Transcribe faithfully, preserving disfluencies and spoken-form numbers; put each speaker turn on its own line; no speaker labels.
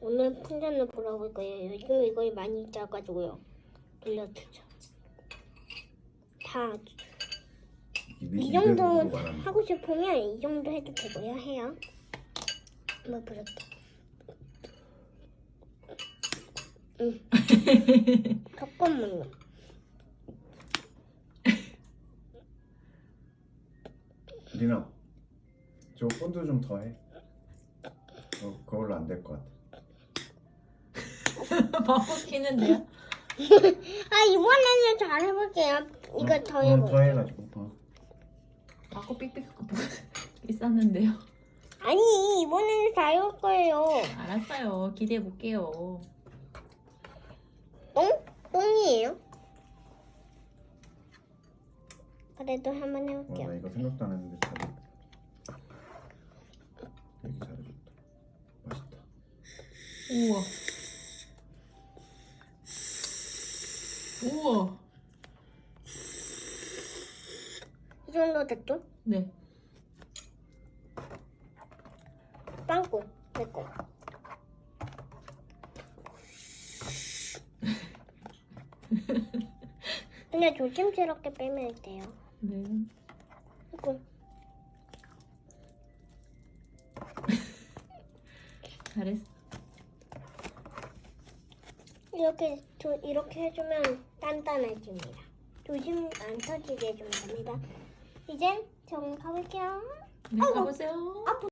오늘 풍선을 불어볼 거예요. 요즘 이걸 많이 짜가지고요. 돌려주죠. 다 이 정도 하고 싶으면 이 정도 해도 되고요. 해요. 한번 불었다. 응. 잠깐만요.
리나, 저 본드 좀 더 해. 어, 그걸로 안 될 것 같아.
바꿔키는데요?
아 이번에는 잘 해볼게요. 이거
어,
더
어,
해볼게요.
더 해가지고. 어.
바꿔 삑삑 있었는데요.
아니 이번에는 잘 해볼 거예요.
알았어요. 기대해 볼게요.
똥? 똥이에요? 그래도 한번
어,
해볼게요.
나 이거 생각도 안 했는데 잘해. 되게 잘해줬다. 맛있다.
우와. 우와.
이 정도 됐죠?
네.
빵꾸 됐고. 근데 조심스럽게 빼면 돼요.
네.
그리고
잘했어.
이렇게 조, 이렇게 해주면 단단해집니다. 조심 안 터지게 해주면 됩니다. 이젠 좀 가볼게요.
네, 가보세요.
아,